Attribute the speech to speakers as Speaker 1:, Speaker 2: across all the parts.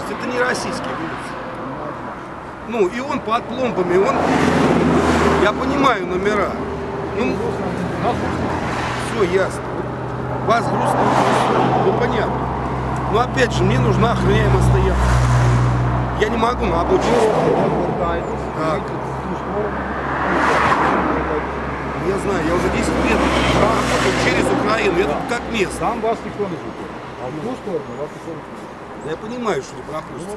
Speaker 1: Это не российский груз. Ну, и он под пломбами, я понимаю номера. Ну, все ясно. Вас груз, ну понятно. Но опять же, мне нужна охраняемая стоянка. Я не могу на обочине. Так. Я знаю, я уже 10 лет через Украину, я тут как место.
Speaker 2: Там вас никто не ждет. А в ту сторону вас никто не ждет.
Speaker 1: Я понимаю, что не пропустят.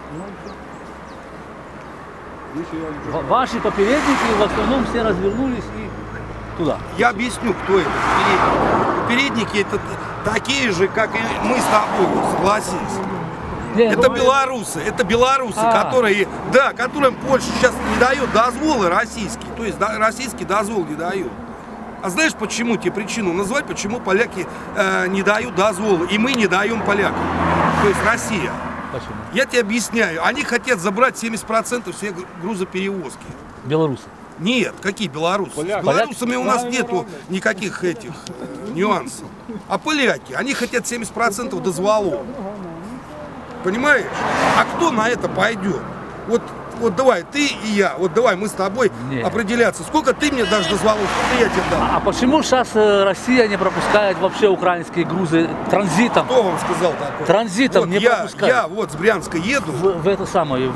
Speaker 3: Ваши попередники в основном все развернулись и туда.
Speaker 1: Я объясню, кто это. Попередники это такие же, как и мы с тобой, согласись. Это белорусы, которые, да, которым Польша сейчас не дает дозволы российские, то есть российский дозвол не дает. А знаешь почему, тебе причину назвать, почему поляки не дают дозволы, и мы не даем полякам, то есть Россия.
Speaker 3: Почему?
Speaker 1: Я тебе объясняю, они хотят забрать 70% всех грузоперевозки.
Speaker 3: Белорусы?
Speaker 1: Нет, какие белорусы? С белорусами у нас нету никаких этих нюансов. А поляки, они хотят 70% дозволов. Понимаешь? А кто на это пойдет? Вот давай, ты и я, вот давай мы с тобой определяться. Сколько ты мне дашь дозволов, сколько я тебе дам?
Speaker 3: А почему сейчас Россия не пропускает вообще украинские грузы транзитом?
Speaker 1: Кто вам сказал такое?
Speaker 3: Транзитом
Speaker 1: вот
Speaker 3: не пропускают.
Speaker 1: Я вот с Брянска еду.
Speaker 3: В это самое,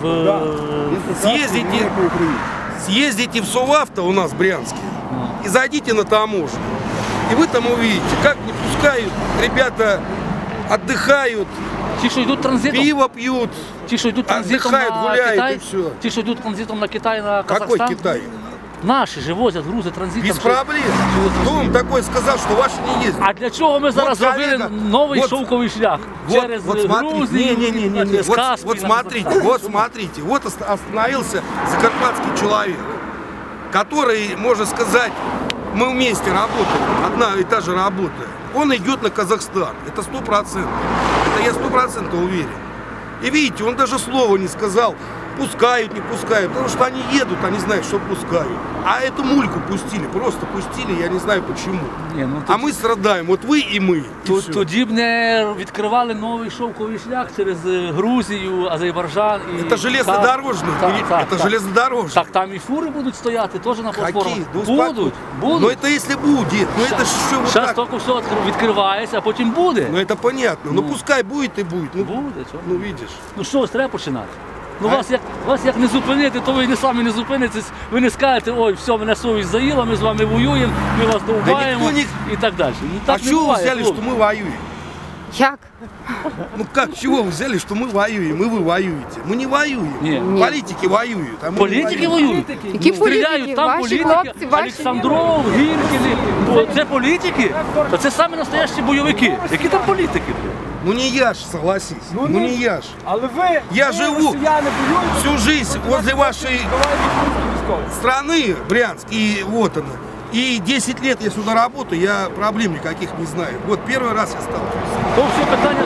Speaker 1: съездите в Совавто у нас в Брянске и зайдите на таможню. И вы там увидите, как не пускают, ребята отдыхают.
Speaker 3: Те, что идут транзитом?
Speaker 1: Пиво пьют,
Speaker 3: те, что идут транзитом
Speaker 1: отдыхают,
Speaker 3: на
Speaker 1: гуляют
Speaker 3: Китай,
Speaker 1: и все.
Speaker 3: Те, что идут транзитом на Китай, на Казахстан?
Speaker 1: Какой Китай?
Speaker 3: Наши же возят грузы транзитом.
Speaker 1: Без проблем. Кто вам такой сказал, что ваши не ездят?
Speaker 3: А для чого ми зараз зробили новий шовковий шлях? Через Грузию,
Speaker 1: Вот смотрите, вот остановился закарпатский человек, который, можно сказать, мы вместе работаем, одна и та же работа. Он идет на Казахстан, это 100%. Это я 100% уверен. И видите, он даже слова не сказал, пускают, не пускают, потому что они едут, они знают, что пускают. А эту мульку пустили, просто пустили, я не знаю почему. А ми страдаємо, от ви і ми.
Speaker 3: Тоді б не відкривали новий шовковий шлях через Грузію, Азербайджан і...
Speaker 1: Це железнодорожний, це железнодорожний.
Speaker 3: Так там і фури будуть стояти, теж на платформах.
Speaker 1: Будуть. Ну це якщо буде, ну це що вот
Speaker 3: так. Зараз тільки все відкривається, а потім буде.
Speaker 1: Ну це понятно, ну пускай буде і буде.
Speaker 3: Буде, чого?
Speaker 1: Ну видиш.
Speaker 3: Ну що ж, треба починати. Ну вас як не зупинити, то ви самі не зупинитесь, ви не скажете, ой, все, мене совість заїла, ми з вами воюємо, ми вас довбаємо і так далі. Ну, так
Speaker 1: а чого ви взяли, що ми воюємо?
Speaker 4: Як?
Speaker 1: Ну как, чего вы взяли, что мы воюем, и вы воюете? Мы не воюем.
Speaker 3: Нет.
Speaker 1: Политики воюют. А мы
Speaker 3: політики воюють.
Speaker 4: Які
Speaker 3: Стріляють там політики, Олександров, Гіркіни. Це політики? То це самі настоящі бойовики. Які там політики?
Speaker 1: Ну не я ж, согласись. Ну не я ж.
Speaker 2: Але ви,
Speaker 1: я живу всю жизнь возле вашей страны, Брянск, и вот она. И 10 лет я сюда работаю, я проблем никаких не знаю. Вот первый раз я сталкиваюсь.
Speaker 3: То все питання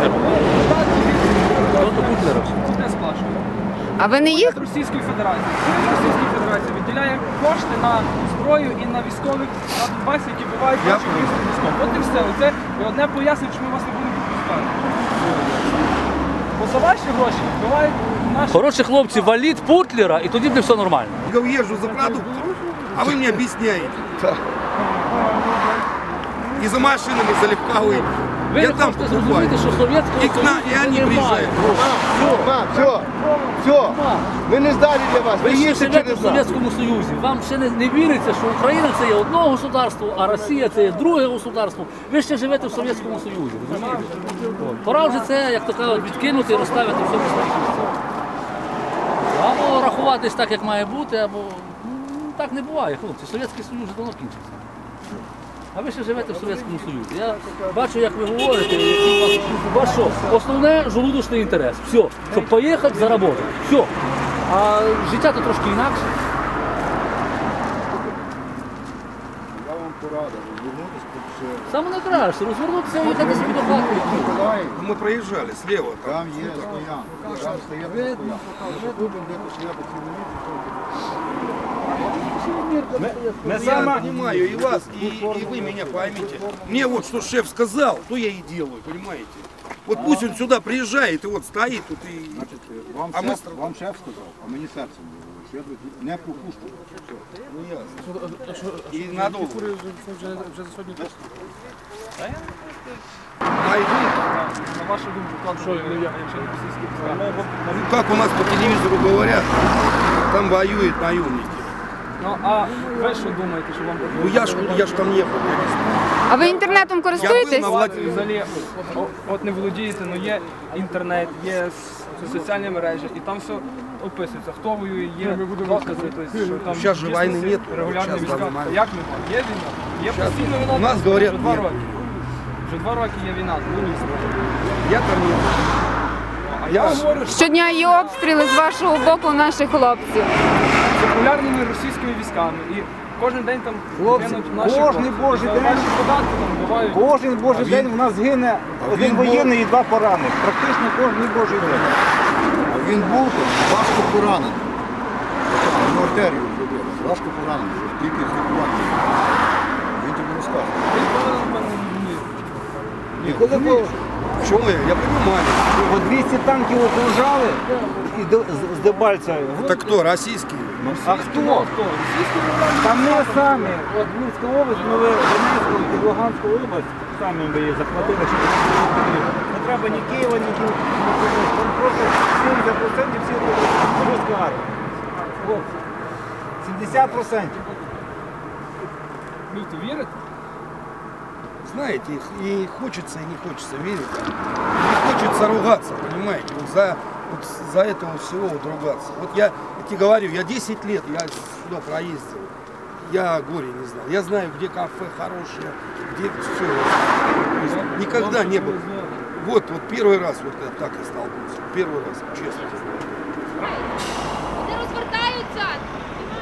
Speaker 3: до Путлера.
Speaker 4: А ви не їх?
Speaker 5: Російської Федерації. Російської Федерації відділяє кошти на зброю і на військових на Донбасі, які бувають наших військових. От і все. Це одне пояснення, що ми вас не будемо відпускати. Бо за ваші гроші бувають наші...
Speaker 3: Хороші хлопці, валіть Путлера, і тоді буде все нормально.
Speaker 1: Я езжу за продуктом, а вы мне объясняете. И за машинами, за легковыми.
Speaker 3: Ви не хочете зрозуміти, що Совєтського Союзу немає.
Speaker 2: Все, ми не здалі для вас.
Speaker 3: Ви ще живете в Совєтському Союзі. Вам ще не віриться, що Україна це є одне государство, а Росія це є друге государство. Ви ще живете в Совєтському Союзі. Розумієте? Пора вже це, як то кажуть, відкинути і розставити все на свої місця. Або рахуватись так, як має бути, або так не буває, хлопці. Совєтський Союз вже давно кінчився. А ви ще живете в Совєтському Союзі. Я бачу, як ви говорите, який у вас що? Основне – желудочний інтерес. Все. Щоб поїхати, заробити. Все. А життя то трошки інакше.
Speaker 2: Я вам порадив, розвернутися тут ще.
Speaker 3: Саме найкраще. Розвернутися і їхати собі до хати.
Speaker 1: Мы проезжали слева.
Speaker 2: Там є стоянка. Там стоять стоянка. Щоб ви будете стояти цілу ніч.
Speaker 1: Я понимаю и вас, и вы меня поймите. Мне вот что шеф сказал, то я и делаю, понимаете? Вот пусть он сюда приезжает и вот стоит тут и...
Speaker 2: Значить, вам,
Speaker 1: А ми
Speaker 2: вам шеф сказав, а мені серцем говорить, що я не пропущу.
Speaker 1: Ну ясно. И надолго. Найдут.
Speaker 5: На вашу думку, як що якщо не російські війська?
Speaker 1: Ну как у нас по телевизору говорят, там воюют наемники.
Speaker 5: Ну а ви що думаєте, що вам
Speaker 1: Ну я ж там не был. я не знаю.
Speaker 4: А ви інтернетом
Speaker 1: Я
Speaker 4: користуєтесь?
Speaker 1: был на Владимире.
Speaker 5: взагалі от не володієте, ну є інтернет, є соціальні мережі, і там все описується, хто воює, є докази, тобто, що там
Speaker 1: Сейчас же войны нет.
Speaker 5: регулярні
Speaker 1: Сейчас
Speaker 5: війська.
Speaker 1: в данный момент.
Speaker 5: Як нема? Є війна? Є постійна війна.
Speaker 1: У нас
Speaker 5: вже
Speaker 1: говорять,
Speaker 5: 2
Speaker 1: ні.
Speaker 5: роки. Вже 2 роки є війна, ну ні.
Speaker 1: Я там не был.
Speaker 5: А я говорю, що
Speaker 4: Щодня є обстріли з вашого боку наших хлопців.
Speaker 5: з регулярними російськими військами. І кожен день там
Speaker 2: Хлопці,
Speaker 5: гинуть наші
Speaker 2: кожний
Speaker 5: хлопці.
Speaker 2: божий
Speaker 5: За
Speaker 2: день.
Speaker 5: ваші податки там бувають.
Speaker 2: Кожен божий день в нас гине один воєнний і 2 поранених. Практично кожен божий день. А він був важко поранений. Йому артерію зробили. Важко поранений. Тільки злікувати. Він тобі розкаже.
Speaker 5: Він повинен, напевно, ні.
Speaker 2: І коли
Speaker 1: Почему я понимаю.
Speaker 2: по 200 танків окружали і з Дебальця.
Speaker 1: Это кто, российские?
Speaker 2: А хто?
Speaker 5: Російські регулярні
Speaker 2: Та ми самі, от Львівська область, ми Донецьку і Луганську область, самі ми її захватили, що не треба ні Києва, ні Києва. Там просто 70% всі русська армія. Хлопці, 70%.
Speaker 5: люди вірите?
Speaker 1: Знаете, и хочется, и не хочется верить. Не хочется ругаться, понимаете, вот за этого всего вот ругаться. Вот я тебе говорю, я 10 лет, я сюда проездил, я горе не знал. Я знаю, где кафе хорошее, где все. Никогда не было. Вот первый раз вот я так и столкнулся. Первый раз, честно.
Speaker 6: Вони розвертаються.